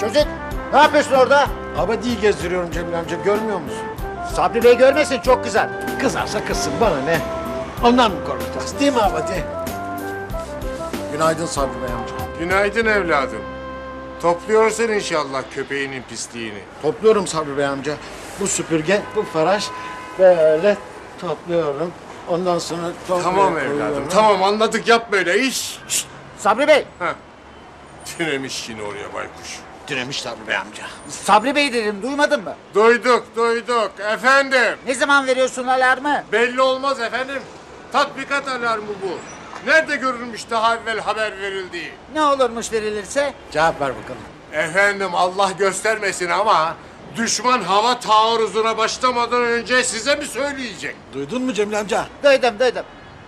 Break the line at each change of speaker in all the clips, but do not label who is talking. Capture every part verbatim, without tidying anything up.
Çocuk, ne yapıyorsun orada?
Abadi'yi gezdiriyorum Cemil amca, görmüyor musun?
Sabri Bey görmesin, çok kızar.
Kızarsa kızsın, bana ne? Ondan mı korkacağız, değil mi Abadi? Günaydın Sabri Bey amca.
Günaydın evladım. Topluyorsun inşallah köpeğinin pisliğini.
Topluyorum Sabri Bey amca. Bu süpürge, bu faraş böyle topluyorum. Ondan sonra toprağa
Tamam
koyuyorum.
evladım, tamam anladık, yap böyle iş. Şşt!
Sabri Bey,
Heh. Tünemiş yine oraya baykuş.
Diremiş Sabri Bey amca.
Sabri Bey dedim, duymadın mı?
Duyduk, duyduk. Efendim,
Ne zaman veriyorsun alarmı?
belli olmaz efendim. Tatbikat alarmı bu. Nerede görülmüş daha evvel haber verildiği?
Ne olurmuş verilirse?
Cevap ver bakalım.
Efendim Allah göstermesin ama düşman hava taarruzuna başlamadan önce size mi söyleyecek?
Duydun mu Cemil amca?
Duydum, duydum.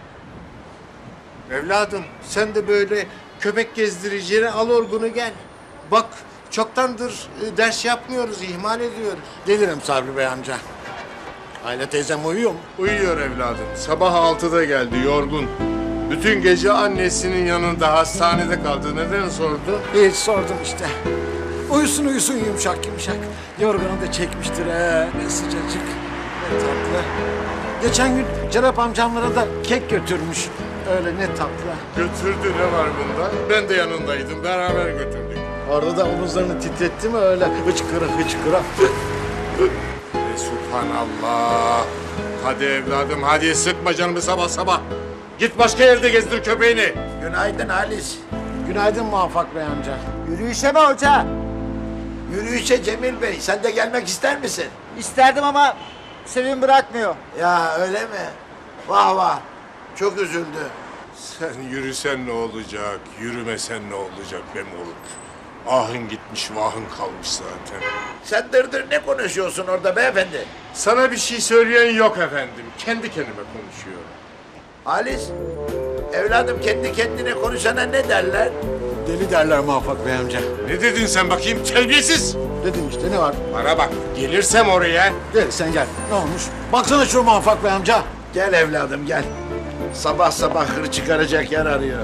Evladım sen de böyle köpek gezdiriciye al orgunu gel. Bak çoktandır e, ders yapmıyoruz, ihmal ediyoruz.
Gelirim Sabri Bey amca. Aile teyzem uyuyor mu?
Uyuyor evladım. Sabah altıda geldi yorgun. Bütün gece annesinin yanında hastanede kaldı. Neden sordu?
Hiç sordum işte. Uyusun uyusun yumuşak yumuşak. Yorganı da çekmiştir he. Ne sıcacık, ne tatlı. Geçen gün Cerap amcamlara da kek götürmüş. Öyle ne tatlı.
Götürdü, ne var bunda? Ben de yanındaydım. Beraber götürdük.
Orada da omuzlarını titretti mi öyle hıçkıra hıçkıra.
E, Subhanallah. Hadi evladım hadi, sıkma canımı sabah sabah. Git başka yerde gezdir köpeğini.
Günaydın Halis.
Günaydın Muvaffak Bey amca.
Yürüyüşe mi hoca?
Yürüyüşe Cemil Bey. Sen de gelmek ister misin?
İsterdim ama Sevim bırakmıyor.
Ya öyle mi? Vah vah. Çok üzüldü.
Sen yürüsen ne olacak, yürümesen ne olacak be moruk? Ahın gitmiş, vahın kalmış zaten.
Sen dırdır ne konuşuyorsun orada beyefendi?
Sana bir şey söyleyen yok efendim. Kendi kendime konuşuyorum.
Halis, evladım kendi kendine konuşana ne derler?
Deli derler Muvaffak Bey amca.
Ne dedin sen bakayım, terbiyesiz?
Dedim işte ne var?
Bana bak, gelirsem oraya...
Gel sen gel. Ne olmuş? Baksana şu Muvaffak Bey amca.
Gel evladım gel. Sabah sabah hır çıkaracak yer arıyor.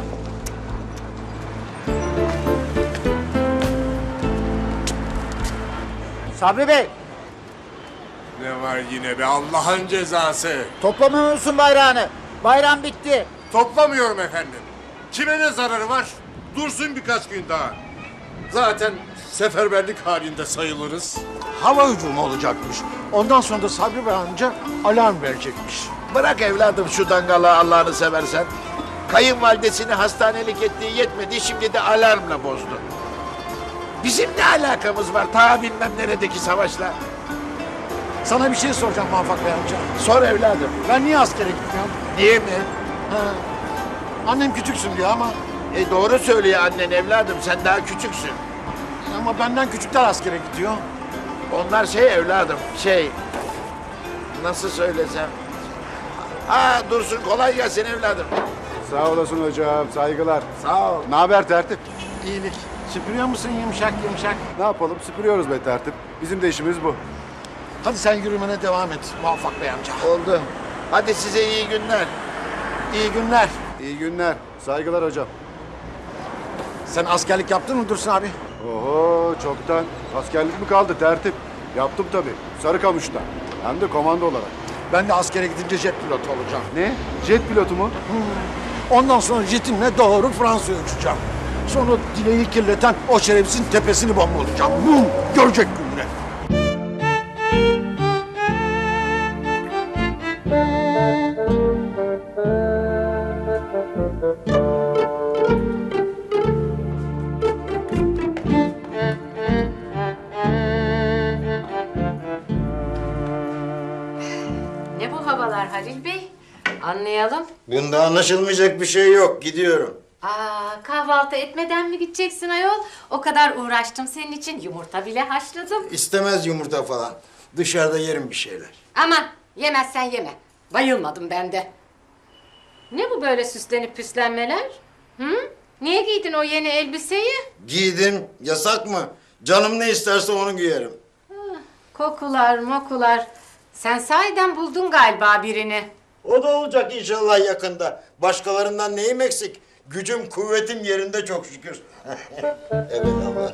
Sabri Bey,
Ne var yine be Allah'ın cezası?
toplamıyor musun bayrağını? Bayram bitti.
Toplamıyorum efendim. Kime ne zararı var? Dursun birkaç gün daha. Zaten seferberlik halinde sayılırız.
Hava hücumu olacakmış. Ondan sonra da Sabri Bey amca alarm verecekmiş.
Bırak evladım şu dangalı Allah'ını seversen. Kayınvalidesini hastanelik ettiği yetmedi, şimdi de alarmla bozdu. Bizim ne alakamız var ta bilmem neredeki savaşla?
Sana bir şey soracağım Muvaffak Bey amca.
Sor evladım.
Ben niye askere gitmiyorum?
Niye mi?
Ha. Annem küçüksün diyor ama
E doğru söylüyor annen evladım, sen daha küçüksün.
ama benden küçükler askere gidiyor.
Onlar şey evladım, şey... Nasıl söylesem... Ha Dursun, kolay gelsin evladım.
Sağ olasın hocam, saygılar.
Sağ ol.
Ne haber tertip?
İyilik. Süpürüyor musun yumuşak yumuşak?
Ne yapalım, süpürüyoruz be tertip. Bizim de işimiz bu.
Hadi sen yürümene devam et Muvaffak Bey amca.
Oldu. Hadi size iyi günler.
İyi günler.
İyi günler, saygılar hocam.
Sen askerlik yaptın mı Dursun abi?
Oho, çoktan. Askerlik mi kaldı tertip? Yaptım tabii, Sarıkamış'ta. Hem de komando olarak.
Ben de askere gidince jet pilotu olacağım.
Ne? Jet pilotu mu?
Ondan sonra jetimle doğru Fransa'ya uçacağım. Sonra dileği kirleten o şerefsizin tepesini bombalayacağım. Bum! Görecek gününe.
Ne bu havalar Halil Bey? Anlayalım.
Bunda anlaşılmayacak bir şey yok. Gidiyorum.
Aa, kahvaltı etmeden mi gideceksin ayol? O kadar uğraştım senin için. Yumurta bile haşladım.
İstemez yumurta falan. Dışarıda yerim bir şeyler.
Aman yemezsen yeme. Bayılmadım ben de. Ne bu böyle süslenip püslenmeler? Hı? Niye giydin o yeni elbiseyi?
Giydim. Yasak mı? Canım ne isterse onu giyerim.
Kokular mokular. Sen sahiden buldun galiba birini.
O da olacak inşallah yakında. Başkalarından neyim eksik?
Gücüm kuvvetim yerinde çok şükür.
Evet ama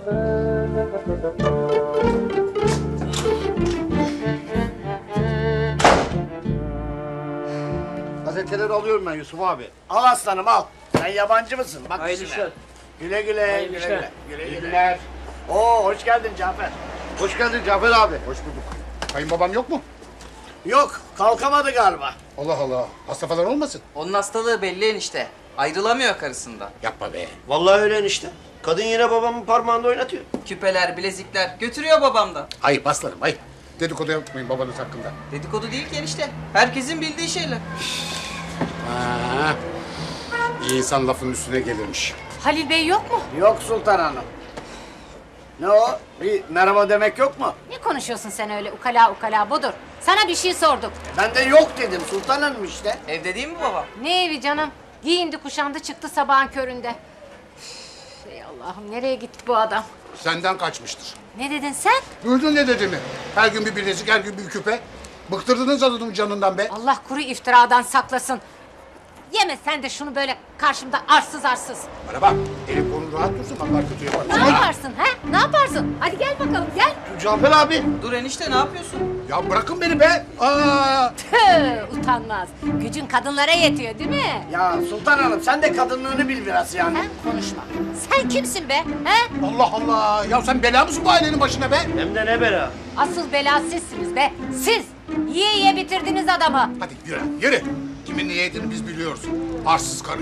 Gazeteleri alıyorum ben Yusuf abi.
Al aslanım al. Sen yabancı mısın? Bak
Hayırlı
işine.
işler.
Güle güle.
Hayırlı
güle,
işler.
güle, güle
İyi
güle.
günler.
Oo hoş geldin Cafer.
Hoş geldin Cafer abi. Hoş bulduk. Kayınbabam yok mu?
Yok kalkamadı galiba.
Allah Allah. Hasta falan olmasın?
Onun hastalığı belli enişte. Ayrılamıyor karısından.
Yapma be.
Vallahi öyle enişte. Kadın yine babamın parmağında oynatıyor.
Küpeler, bilezikler götürüyor babamdan.
Ayıp aslanım ayıp. Dedikodu yapmayın babanız hakkında.
Dedikodu değil ki enişte. Herkesin bildiği şeyler.
Ha. İyi insan lafın üstüne gelirmiş.
Halil Bey yok mu?
Yok Sultan Hanım. Ne o? Bir merhaba demek yok mu?
Ne konuşuyorsun sen öyle ukala ukala budur. Sana bir şey sorduk.
Ben de yok dedim Sultan Hanım işte.
Evde değil mi baba?
Ne evi canım? Giyindi kuşandı çıktı sabahın köründe. Üf, ey Allah'ım nereye gitti bu adam?
Senden kaçmıştır.
Ne dedin sen?
Duydun ne dediğimi? Her gün bir bilezik, her gün bir küpe. Bıktırdınız adamın canından be.
Allah kuru iftiradan saklasın. Yeme sen de şunu böyle karşımda arsız arsız.
Bana bak, elin kolun rahat dursun, Allah kötü yapar.
Ne yaparsın ha? Ne yaparsın? Hadi gel bakalım gel.
Cafer abi.
Dur enişte ne yapıyorsun?
Ya bırakın beni be. Aa.
Tüh, utanmaz. Gücün kadınlara yetiyor değil mi?
Ya Sultan Hanım sen de kadınlığını bil biraz yani.
Sen konuşma. Sen kimsin be? He?
Allah Allah. Ya sen bela mısın bu ailenin başına be?
Hem de ne bela.
Asıl bela sizsiniz be. Siz. Yiye yiye bitirdiniz adamı.
Hadi yürü, yürü. Kimin niye yediğini biz biliyoruz. Arsız karı.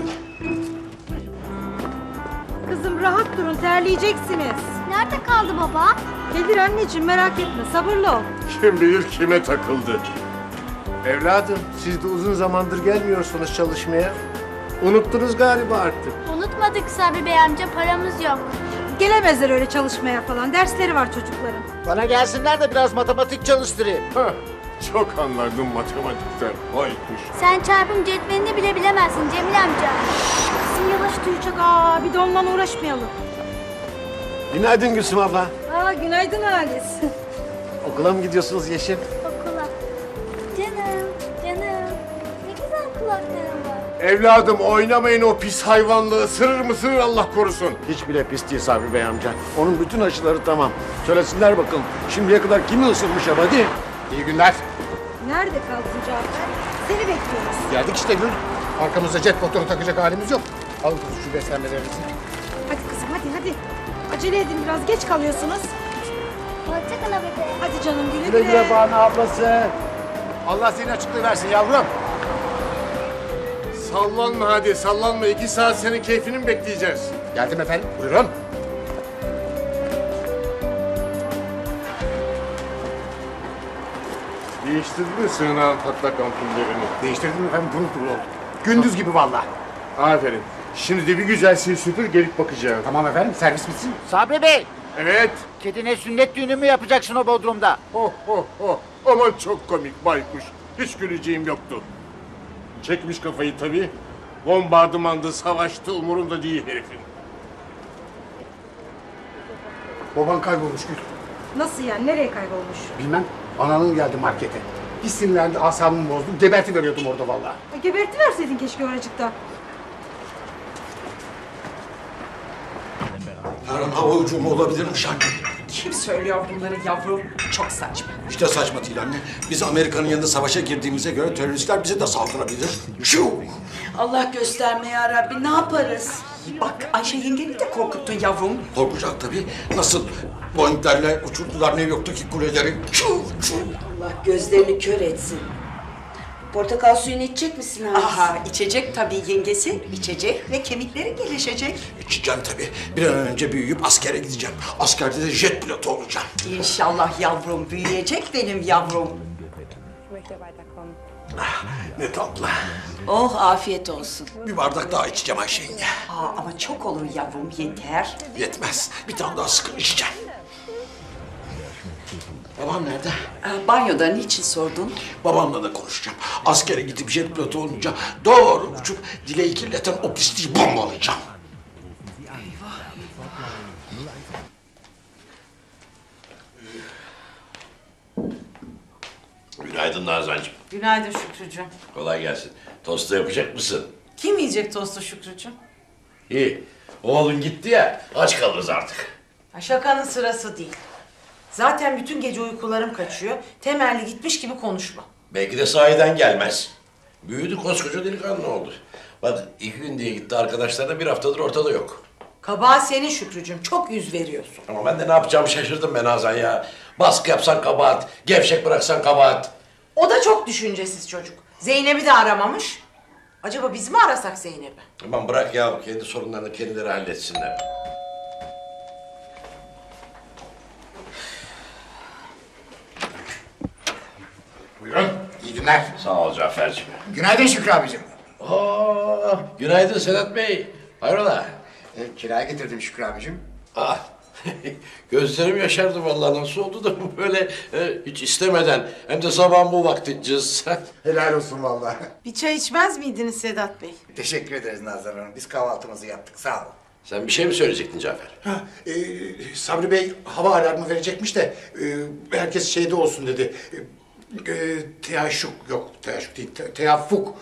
Kızım rahat durun, terleyeceksiniz.
Nerede kaldı baba?
Gelir anneciğim, merak etme, sabırlı ol.
Kim bilir kime takıldı.
Evladım siz de uzun zamandır gelmiyorsunuz çalışmaya. Unuttunuz galiba artık.
Unutmadık Sabri Bey amca, paramız yok.
Gelemezler öyle çalışmaya falan, dersleri var çocukların.
Bana gelsinler de biraz matematik çalıştırayım.
Hah, çok anlardım matematikten. Vay kuş.
Sen çarpım cetvelini bile bilemezsin Cemil amca.
Kızım yavaş duyacak, aa bir de onunla uğraşmayalım.
Günaydın Gülsüm abla.
Aa günaydın Halis.
Okula mı gidiyorsunuz Yeşim?
Okula. Canım, canım. Ne güzel kulakların var.
Evladım oynamayın o pis hayvanla. Isırır mısırır Allah korusun.
Hiç bile pis değil Sabri Bey amca. Onun bütün aşıları tamam. Söylesinler bakalım. Şimdiye kadar kimi ısırmış hadi.
İyi günler.
Nerede kaldın Cafer? Seni bekliyoruz.
Geldik işte Gül. Arkamızda jet motoru takacak halimiz yok. Alın kızım şu beslenmelerinizi.
Hadi kızım hadi hadi. Acele edin biraz, geç kalıyorsunuz.
Hoşçakal abi.
Hadi canım güle
Güle
güle.
güle Banu ablası.
Allah senin açıklığı versin yavrum.
Sallanma hadi sallanma. İki saat senin keyfini mi bekleyeceğiz?
Geldim efendim. Buyurun.
Değiştirdin mi sığınağın patlak ampullerini?
Değiştirdim efendim pırıl pırıl oldu. Gündüz gibi vallahi.
Aferin. Şimdi de bir güzel sil süpür gelip bakacağım.
Tamam efendim servis bitsin.
Sabri Bey,
Evet.
kedine sünnet düğünü mü yapacaksın o Bodrum'da?
Oh oh oh. Aman çok komik baykuş. Hiç güleceğim yoktu. Çekmiş kafayı tabii. Bombardımandı, savaştı, umurunda değil herifin.
Baban kaybolmuş Gül.
Nasıl yani, nereye kaybolmuş?
Bilmem. Ananın geldi markete. Bir sinirlendi, asabımı bozdu. Geberti veriyordum orada vallahi.
E, geberti verseydin keşke oracıkta.
yarın hava hücumu olabilirmiş anne.
Kim söylüyor bunları yavrum? Çok saçma.
İşte saçma değil anne. Biz Amerika'nın yanında savaşa girdiğimize göre teröristler bize de saldırabilir. Şu.
Allah gösterme ya Rabbi, ne yaparız? Bak Ayşe yengeni de korkuttun yavrum.
Korkacak tabii. Nasıl Boeing'lerle uçurdular New York'taki kuleleri. Şu, şu.
Allah gözlerini kör etsin. Portakal suyunu içecek misin Halis? Aha, içecek tabii yengesi. İçecek ve kemikleri gelişecek.
İçeceğim tabii. Bir an önce büyüyüp askere gideceğim. Askerde de jet pilotu olacağım.
İnşallah yavrum, büyüyecek benim yavrum.
Ah, ne tatlı.
Oh, afiyet olsun.
Bir bardak daha içeceğim Ayşe yenge.
Aa, ama çok olur yavrum, yeter.
Yetmez. Bir tane daha sıkın içeceğim. Babam nerede?
Aa, banyoda niçin sordun?
Babamla da konuşacağım. Askere gidip jet pilotu olunca doğru uçup dileği kirleten o pisliği bombalayacağım.
Günaydın Nazancığım.
Günaydın Şükrücüğüm.
Kolay gelsin. Tosta yapacak mısın?
Kim yiyecek tostu Şükrücüğüm?
İyi. Oğlun gitti ya, aç kalırız artık.
Ha, şakanın sırası değil. Zaten bütün gece uykularım kaçıyor. Temelli gitmiş gibi konuşma.
Belki de sahiden gelmez. Büyüdü, koskoca delikanlı oldu. Bak iki gün diye gitti, arkadaşlar da bir haftadır ortada yok.
Kabahat senin Şükrücüğüm. Çok yüz veriyorsun.
Ama ben de ne yapacağımı şaşırdım ben Nazan ya. Baskı yapsan kabahat, gevşek bıraksan kabahat.
O da çok düşüncesiz çocuk. Zeynep'i de aramamış. Acaba biz mi arasak Zeynep'i?
Aman bırak ya, kendi sorunlarını kendileri halletsinler.
Buyurun. İyi günler.
Sağ ol Cafer'cim.
Günaydın Şükrü abicim.
Aa, günaydın Sedat Bey. Hayrola?
E, kiraya getirdim Şükrü abicim.
Ah, gözlerim yaşardı vallahi, nasıl oldu da bu böyle e, hiç istemeden, hem de sabah bu vakti cız.
Helal olsun vallahi.
Bir çay içmez miydiniz Sedat Bey?
Teşekkür ederiz Nazan Hanım. Biz kahvaltımızı yaptık. Sağ olun.
Sen bir şey mi söyleyecektin Cafer?
Ha, e, Sabri Bey hava alarmı verecekmiş de e, herkes şeyde olsun dedi. E, e, teaşuk yok, teaşuk değil, te, teyaffuk.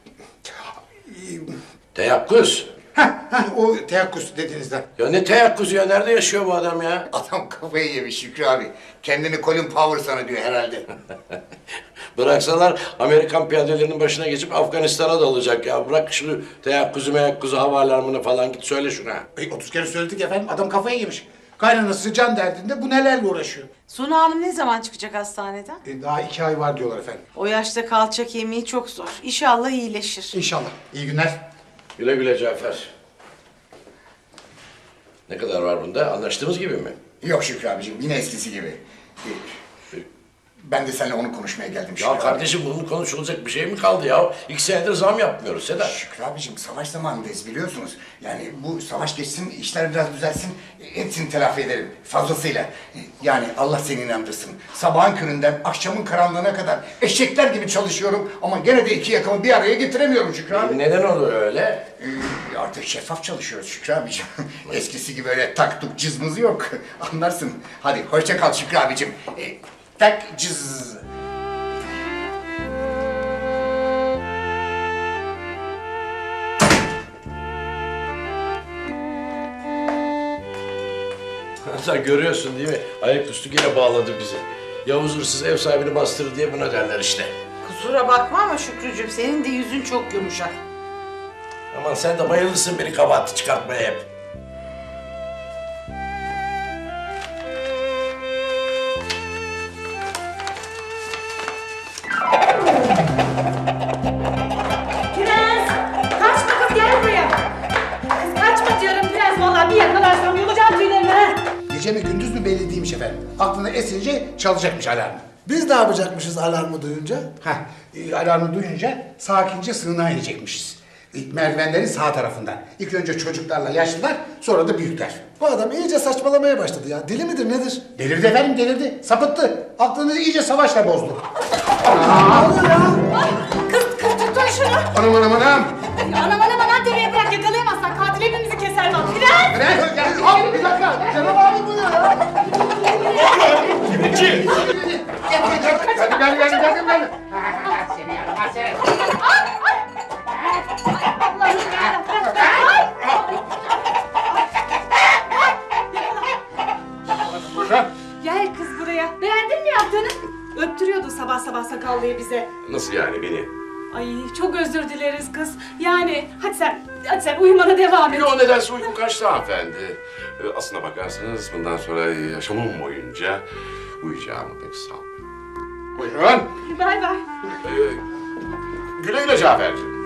Teyakkuz.
Ha, ha, o teyakkuz dediğinizden.
Ya ne teyakkuzu ya, nerede yaşıyor bu adam ya?
Adam kafayı yemiş Şükrü abi. Kendini Colin Powell sanıyor herhalde.
Bıraksalar Amerikan piyadelerinin başına geçip Afganistan'a dalacak ya. Bırak şunu teyakkuzu meyakkuzu, hava alarmını falan, git söyle şuna.
E, otuz kere söyledik efendim, adam kafayı yemiş. Kaynanası can derdinde bu nelerle uğraşıyor.
Suna Hanım ne zaman çıkacak hastaneden?
E, daha iki ay var diyorlar efendim.
O yaşta kalça kemiği çok zor. İnşallah iyileşir.
İnşallah. İyi günler.
Güle güle Cafer. Ne kadar var bunda? Anlaştığımız gibi mi?
Yok Şükrü abicim, yine eskisi gibi. Ben de seninle onu konuşmaya geldim Şükrü
Ya
abi.
kardeşim, bunun konuşulacak bir şey mi kaldı ya? İki senedir zam yapmıyoruz Sedat.
Şükrü abicim, savaş zamanındayız biliyorsunuz. Yani bu savaş geçsin, işler biraz düzelsin, hepsini telafi ederim fazlasıyla. Yani Allah seni inandırsın. Sabahın köründen akşamın karanlığına kadar eşekler gibi çalışıyorum ama gene de iki yakamı bir araya getiremiyorum Şükrü abi.
Neden oluyor öyle?
Ee, artık şeffaf çalışıyoruz Şükrü abicim. Eskisi gibi öyle tak tuk cızmız yok. Anlarsın. Hadi hoşça kal Şükrü abicim. Ee, tak cız.
Sen görüyorsun değil mi? Ayaküstü yine bağladı bizi. Yavuz hırsız ev sahibini bastırır diye buna derler işte.
Kusura bakma ama Şükrücüğüm senin de yüzün çok yumuşak.
Aman sen de bayılırsın beni kabahati çıkartmaya hep.
Prens! Kaçma kız, gel buraya. Kız kaçma diyorum Prens, vallahi bir yakalarsam yolacağım tüylerimi ha.
Gece mi gündüz mü belli değilmiş efendim. Aklına esince çalacakmış alarmı.
Biz ne yapacakmışız alarmı duyunca?
Heh, e, alarmı duyunca sakince sığınağa inecekmişiz. E, merdivenlerin sağ tarafından. İlk önce çocuklarla yaşlılar, sonra da büyükler.
Bu adam iyice saçmalamaya başladı ya. Deli midir nedir?
Delirdi efendim, delirdi. Sapıttı. Aklını iyice savaşla bozdu.
Kız, kız tutun şunu.
Anam anam anam.
Anam anam anam demeye bırak, yakalayamazsan katil hepimizi keser bak. Prens!
Prens gel. Hop bir dakika. Cenab abi bu ne ya?
Kiminci?
Gel gel gel gel gel gel.
Seni yaramaz seni.
Gel kız buraya. Beğendin mi yaptığını? Öptürüyordu sabah sabah sakallıyı bize.
Nasıl yani beni?
Ay çok özür dileriz kız. Yani hadi sen, hadi sen uyumana devam et.
Yo, nedense uykum kaçtı hanımefendi. Ee, Aslına bakarsanız bundan sonra yaşamım boyunca uyuyacağımı pek sanmıyorum. Buyurun.
Bay bay.
Ee, güle güle Cafer'cim.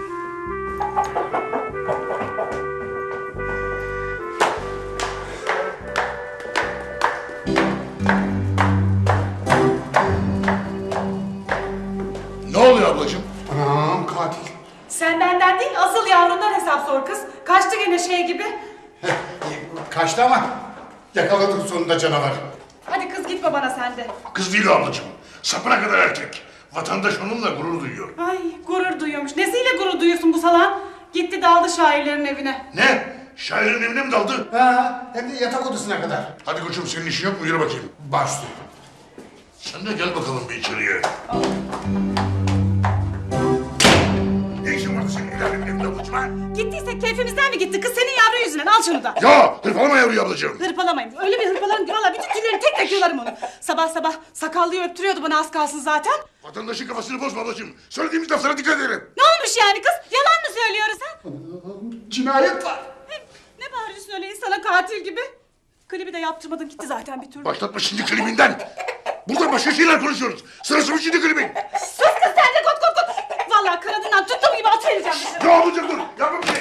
Ne oluyor ablacığım? Anam katil.
Sen benden değil, asıl yavrundan hesap sor kız. Kaçtı gene şey gibi.
Kaçtı ama yakaladık sonunda canavar.
Hadi kız git babana sen de.
Kız değil o ablacığım. Sapına kadar erkek. Vatandaş onunla gurur duyuyor.
Ay gurur duyuyormuş. Nesiyle gurur duyuyorsun bu salağın? Gitti daldı şairlerin evine.
Ne? Şairin evine mi daldı?
Ha, hem de yatak odasına kadar.
Hadi koçum, senin işin yok mu? Yürü bakayım.
Başlı.
Sen de gel bakalım bir içeriye. Ne işin vardı senin el alemin evinde ablacığım?
kaçma.
Gittiyse keyfimizden mi gitti kız senin yavru yüzünden? Al şunu da.
Ya hırpalama yavruyu ablacığım.
Hırpalamayın. Öyle bir hırpalarım ki valla bütün tüylerini tek tek yolarım onu. Sabah sabah sakallıyı öptürüyordu bana az kalsın zaten.
Vatandaşın kafasını bozma ablacığım. Söylediğimiz laflara dikkat edelim.
Ne olmuş yani kız? Yalan mı söylüyoruz ha?
Cinayet var.
Ne bağırıyorsun öyle insana katil gibi? Klibi de yaptırmadın gitti zaten bir türlü.
Başlatma şimdi klibinden. Burada başka şeyler konuşuyoruz. Sırası mı şimdi klibin?
Sus kız sen de kot kot kot. Valla kanadından tuttuğum gibi atıvereceğim dışarı.
Ya ablacığım dur. Yapma bir şey.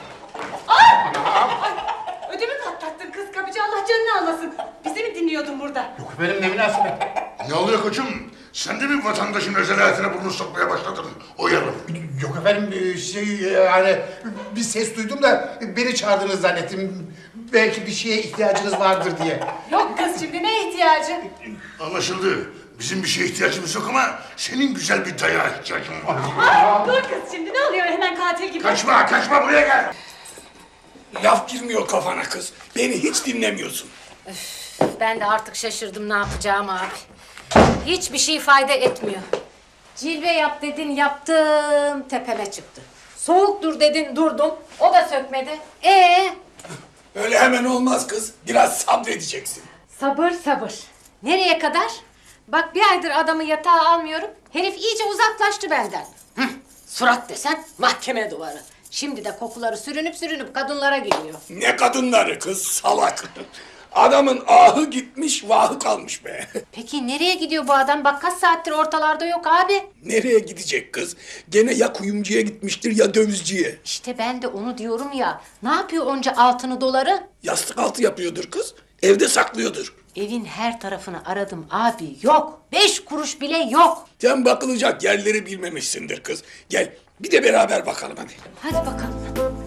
Ödümü patlattın kız kapıcı Allah canını almasın. Bizi mi dinliyordun burada?
Yok efendim ne münasebet.
Ne oluyor koçum? Sen de mi vatandaşın özel hayatına burnunu sokmaya başladın? Uyarım.
Yok efendim e, şey yani bir ses duydum da beni çağırdınız zannettim. Belki bir şeye ihtiyacınız vardır diye.
Yok kız şimdi ne ihtiyacı?
Anlaşıldı. Bizim bir şeye ihtiyacımız yok ama senin güzel bir dayağa ihtiyacın var.
Ay, dur kız şimdi ne oluyor hemen katil gibi?
Kaçma, kaçma buraya gel.
Laf girmiyor kafana kız. Beni hiç dinlemiyorsun.
Ben de artık şaşırdım ne yapacağım abi. Hiçbir şey fayda etmiyor. Cilve yap dedin yaptım tepeme çıktı. Soğuk dur dedin durdum o da sökmedi. Ee?
Öyle hemen olmaz kız. Biraz sabredeceksin.
Sabır sabır. Nereye kadar? Bak bir aydır adamı yatağa almıyorum. Herif iyice uzaklaştı benden. Hıh, surat desen mahkeme duvarı. Şimdi de kokuları sürünüp sürünüp kadınlara gidiyor.
Ne kadınları kız salak. Adamın ahı gitmiş vahı kalmış be.
Peki nereye gidiyor bu adam? Bak kaç saattir ortalarda yok abi.
Nereye gidecek kız? Gene ya kuyumcuya gitmiştir ya dövizciye.
İşte ben de onu diyorum ya. Ne yapıyor onca altını doları?
Yastık altı yapıyordur kız. Evde saklıyordur.
Evin her tarafını aradım abi yok. Beş kuruş bile yok.
Sen bakılacak yerleri bilmemişsindir kız. Gel bir de beraber bakalım hadi.
Hadi bakalım.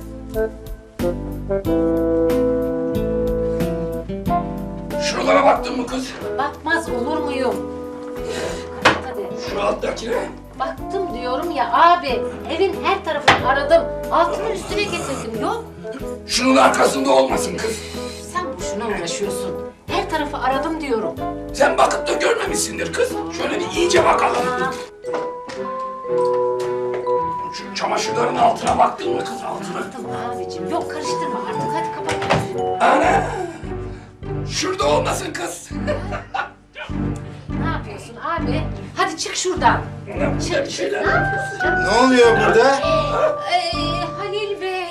Şuralara baktın mı kız?
Bakmaz olur muyum? Hadi.
Şu alttakine.
Baktım diyorum ya abi. Evin her tarafını aradım. Altını üstüne getirdim yok.
Şunun arkasında olmasın kız.
Sen boşuna uğraşıyorsun. Her tarafı aradım diyorum.
Sen bakıp da görmemişsindir kız. Şöyle bir iyice bakalım. Şu çamaşırların altına baktın mı kız altına?
Baktım abicim. Yok karıştırma artık. Hadi kapat.
Ana! Şurada olmasın kız.
Ne yapıyorsun abi? Hadi çık şuradan. Çık.
Bir şeyler.
Ne yapıyorsun canım?
Ne oluyor burada?
Ee, Halil Bey.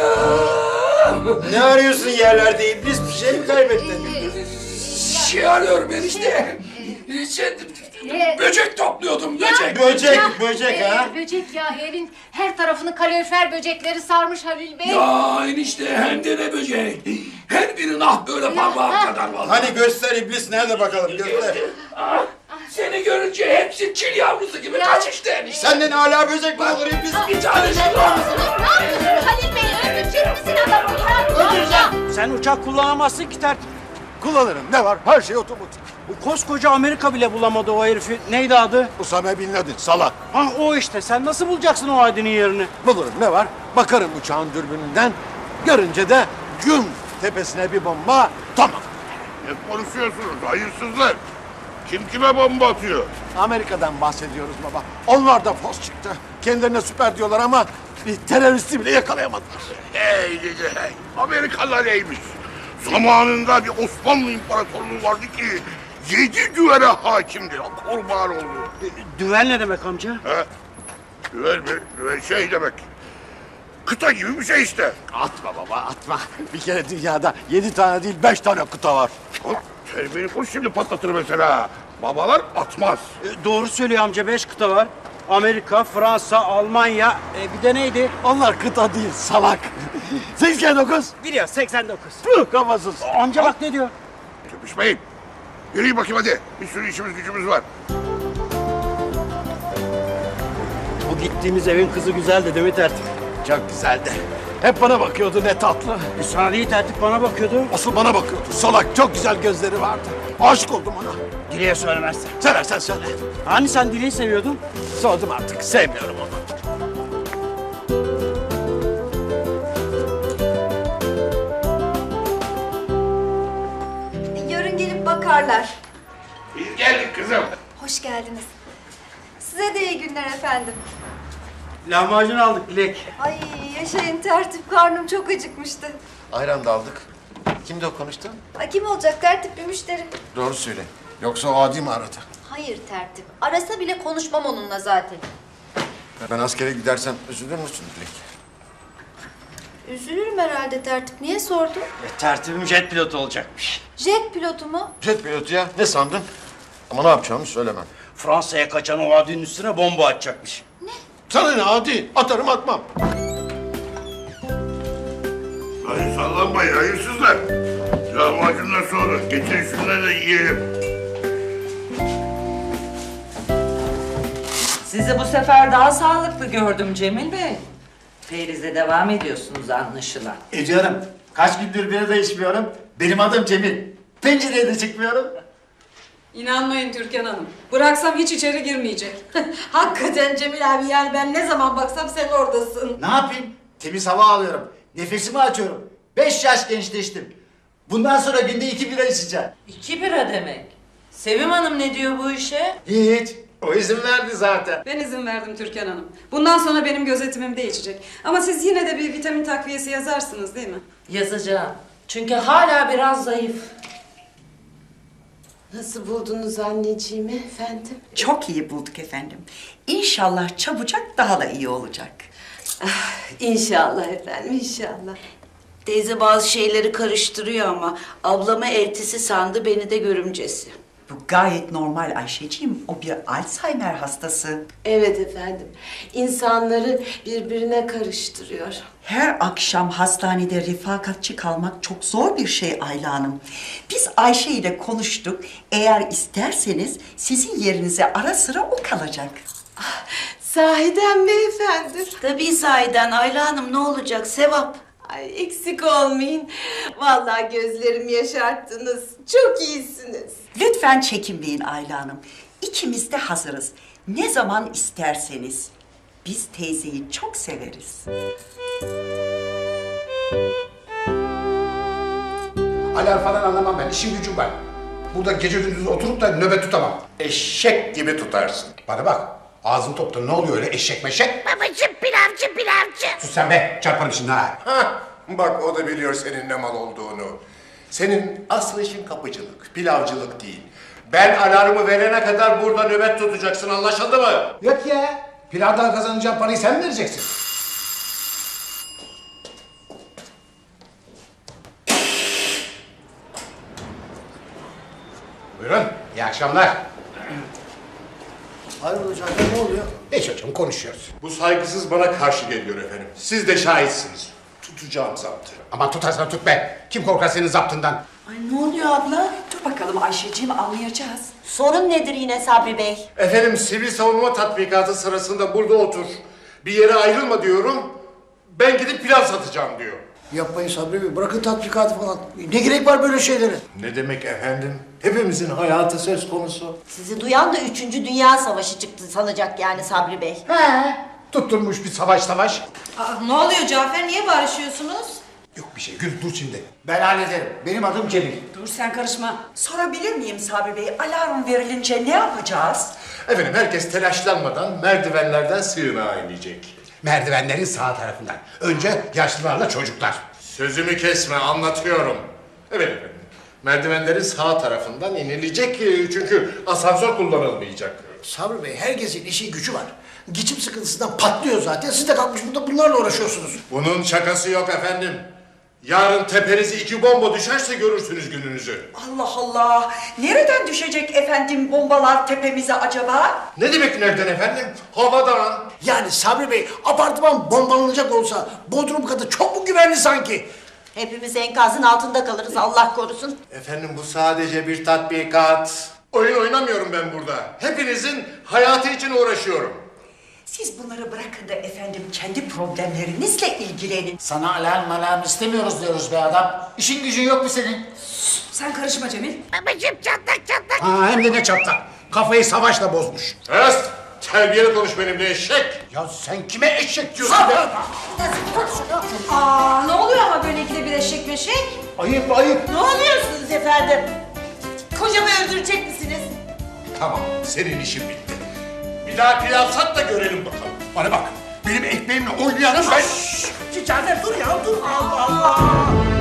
Ne arıyorsun yerlerde iblis? Bir şey mi kaybettin?
Şey arıyorum ben işte. Şey,
Ne?
böcek topluyordum böcek.
Böcek,
Ya,
böcek
e,
ha?
Böcek ya evin her tarafını kalorifer böcekleri sarmış Halil Bey.
Ya enişte hem de ne böcek. Her biri nah böyle parmağım kadar vallahi.
Hani göster iblis nerede bakalım göster.
Ah, seni görünce hepsi çil yavrusu gibi
Ya.
kaç işte enişte.
Senden hala böcek mi olur iblis?
Bir tane
Ne
şu
yapıyorsun Halil Bey? Öldürecek misin adamı ya? Öldüreceğim.
Sen uçak kullanamazsın ki tertip.
Kullanırım. Ne var? Her şey otomatik.
Bu koskoca Amerika bile bulamadı o herifi. Neydi adı?
Usame Bin Laden, salak.
Ha o işte. Sen nasıl bulacaksın o Aydın'ın yerini?
Bulurum. Ne var? Bakarım uçağın dürbününden. Görünce de güm tepesine bir bomba. Tamam.
Ne konuşuyorsunuz hayırsızlar? Kim kime bomba atıyor?
Amerika'dan bahsediyoruz baba. Onlar da fos çıktı. Kendilerine süper diyorlar ama bir teröristi bile yakalayamadılar.
Hey gidi hey. Amerikalılar neymiş? Zamanında bir Osmanlı İmparatorluğu vardı ki yedi düvele hakimdi. Kurban oldu.
Düvel ne demek amca?
He? Düvel mi? Düvel şey demek. Kıta gibi bir şey işte.
Atma baba atma. Bir kere dünyada yedi tane değil beş tane kıta var.
Terbiyeni koş şimdi patlatır mesela. Babalar atmaz.
E, doğru söylüyor amca. Beş kıta var. Amerika, Fransa, Almanya. E, bir de neydi?
Onlar kıta değil salak. seksen dokuz.
Biliyor seksen dokuz.
Tüh kafasız.
Amca bak ne diyor?
Köpüşmeyin. Yürüyün bakayım hadi. Bir sürü işimiz gücümüz var.
Bu gittiğimiz evin kızı güzeldi değil mi tertip?
Çok güzeldi. Hep bana bakıyordu ne tatlı.
E, sana değil tertip bana bakıyordu.
Asıl bana bakıyordu. Salak çok güzel gözleri vardı. Aşık oldum ona.
Dileğe söylemezsen.
Seversen söyle.
Hani sen Dileği seviyordun?
Sordum artık. Sevmiyorum onu.
Yarın gelip bakarlar.
Biz geldik kızım.
Hoş geldiniz. Size de iyi günler efendim.
Lahmacun aldık Dilek.
Ay yaşayın tertip, karnım çok acıkmıştı.
Ayran da aldık. Kimdi o konuştu?
Ay kim olacak, tertip bir müşteri.
Doğru söyle. Yoksa o adi mi aradı?
Hayır tertip, arasa bile konuşmam onunla zaten.
Ben askere gidersem üzülür müsün Dilek?
Üzülürüm herhalde tertip, niye sordun?
E, tertibim jet pilotu olacakmış.
Jet pilotu mu?
Jet pilotu ya. Ne sandın? Ama ne yapacağımı söylemem.
Fransa'ya kaçan o adinin üstüne bomba atacakmış.
Sana ne adi? Atarım atmam.
Hayır sallanmayın hayırsızlar. Lahmacundan sonra geçin şunları da yiyelim.
Sizi bu sefer daha sağlıklı gördüm Cemil Bey. Feriz'e devam ediyorsunuz anlaşılan.
Ediyorum. Kaç gündür biri de içmiyorum. Benim adım Cemil. Pencereye de çıkmıyorum.
İnanmayın Türkan Hanım. Bıraksam hiç içeri girmeyecek. Hakikaten Cemil abi, yani ben ne zaman baksam sen oradasın.
Ne yapayım? Temiz hava alıyorum. Nefesimi açıyorum. Beş yaş gençleştim. Bundan sonra günde iki bira içeceğim.
İki bira demek. Sevim Hanım ne diyor bu işe?
Hiç. O izin verdi zaten.
Ben izin verdim Türkan Hanım. Bundan sonra benim gözetimimde içecek. Ama siz yine de bir vitamin takviyesi yazarsınız değil mi?
Yazacağım. Çünkü hala biraz zayıf.
Nasıl buldunuz anneciğimi efendim?
Çok iyi bulduk efendim. İnşallah çabucak daha da iyi olacak.
İnşallah efendim, inşallah. Teyze bazı şeyleri karıştırıyor ama ablamı eltisi sandı, beni de görümcesi.
Bu gayet normal Ayşeciğim. O bir Alzheimer hastası.
Evet efendim. İnsanları birbirine karıştırıyor.
Her akşam hastanede refakatçi kalmak çok zor bir şey Ayla Hanım. Biz Ayşe ile konuştuk. Eğer isterseniz sizin yerinize ara sıra o kalacak.
Sahiden mi efendim? Tabii sahiden Ayla Hanım, ne olacak, sevap. Ay eksik olmayın. Vallahi gözlerimi yaşarttınız. Çok iyisiniz.
Lütfen çekinmeyin Ayla Hanım. İkimiz de hazırız. Ne zaman isterseniz. Biz teyzeyi çok severiz.
Alarm falan anlamam ben. İşim gücüm var. Burada gece gündüz oturup da nöbet tutamam. Eşek gibi tutarsın. Bana bak. Ağzın topta ne oluyor öyle eşek meşek?
Babacım pilavcı pilavcı.
Sus sen be. Çarparım şimdi ha.
Hah, bak o da biliyor senin ne mal olduğunu. Senin asıl işin kapıcılık, pilavcılık değil. Ben alarmı verene kadar burada nöbet tutacaksın, anlaşıldı mı?
Yok ya. Pilavdan kazanacağın parayı sen mi vereceksin? Buyurun. İyi akşamlar.
Hayrola Cafer, ne oluyor?
Hiç hocam konuşuyoruz.
Bu saygısız bana karşı geliyor efendim. Siz de şahitsiniz. Tutacağım zaptı.
Aman tutarsan tut be. Kim korkar senin zaptından?
Ay ne oluyor abla? Dur bakalım Ayşeciğim, anlayacağız.
Sorun nedir yine Sabri Bey?
Efendim sivil savunma tatbikatı sırasında burada otur. Bir yere ayrılma diyorum. Ben gidip pilav satacağım diyor.
Yapmayın Sabri Bey, bırakın tatbikatı falan. Ne gerek var böyle şeylere?
Ne demek efendim? Hepimizin hayatı söz konusu.
Sizi duyan da üçüncü Dünya Savaşı çıktı sanacak yani Sabri Bey.
He. Tutturmuş bir savaş savaş.
Aa, ne oluyor Cafer? Niye barışıyorsunuz?
Yok bir şey. Gül dur şimdi.
Ben hallederim. Benim adım Cemil.
Dur sen karışma.
Sorabilir miyim Sabri Bey? Alarm verilince ne yapacağız?
Efendim herkes telaşlanmadan merdivenlerden sığınağa inecek.
Merdivenlerin sağ tarafından. Önce yaşlılarla çocuklar.
Sözümü kesme, anlatıyorum. Evet efendim. Merdivenlerin sağ tarafından inilecek e, çünkü asansör kullanılmayacak.
Sabri Bey, herkesin işi gücü var. Geçim sıkıntısından patlıyor zaten. Siz de kalkmış burada bunlarla uğraşıyorsunuz.
Bunun şakası yok efendim. Yarın tepenize iki bomba düşerse görürsünüz gününüzü.
Allah Allah! Nereden düşecek efendim bombalar tepemize acaba?
Ne demek nereden efendim? Havadan.
Yani Sabri Bey, apartman bombalanacak olsa Bodrum katı çok mu güvenli sanki?
Hepimiz enkazın altında kalırız, Allah korusun.
Efendim bu sadece bir tatbikat. Oyun oynamıyorum ben burada. Hepinizin hayatı için uğraşıyorum.
Siz bunları bırakın da efendim kendi problemlerinizle ilgilenin.
Sana alarm alarm istemiyoruz diyoruz be adam. İşin gücün yok mu senin?
Sen karışma Cemil.
Babacım çatlak çatlak.
Ha, hem de ne çatlak. Kafayı savaşla bozmuş.
Est! Terbiyeli konuş benimle eşek.
Ya sen kime eşek diyorsun be?
Aa, ne oluyor ama böyle ikide bir eşek meşek?
Ayıp ayıp.
Ne oluyorsunuz efendim? Kocamı öldürecek misiniz?
Tamam, senin işin bitti. Bir daha pilav sat da görelim bakalım.
Bana bak.
Benim ekmeğimle oynayanım ben.
Cafer dur ya dur. Allah Allah.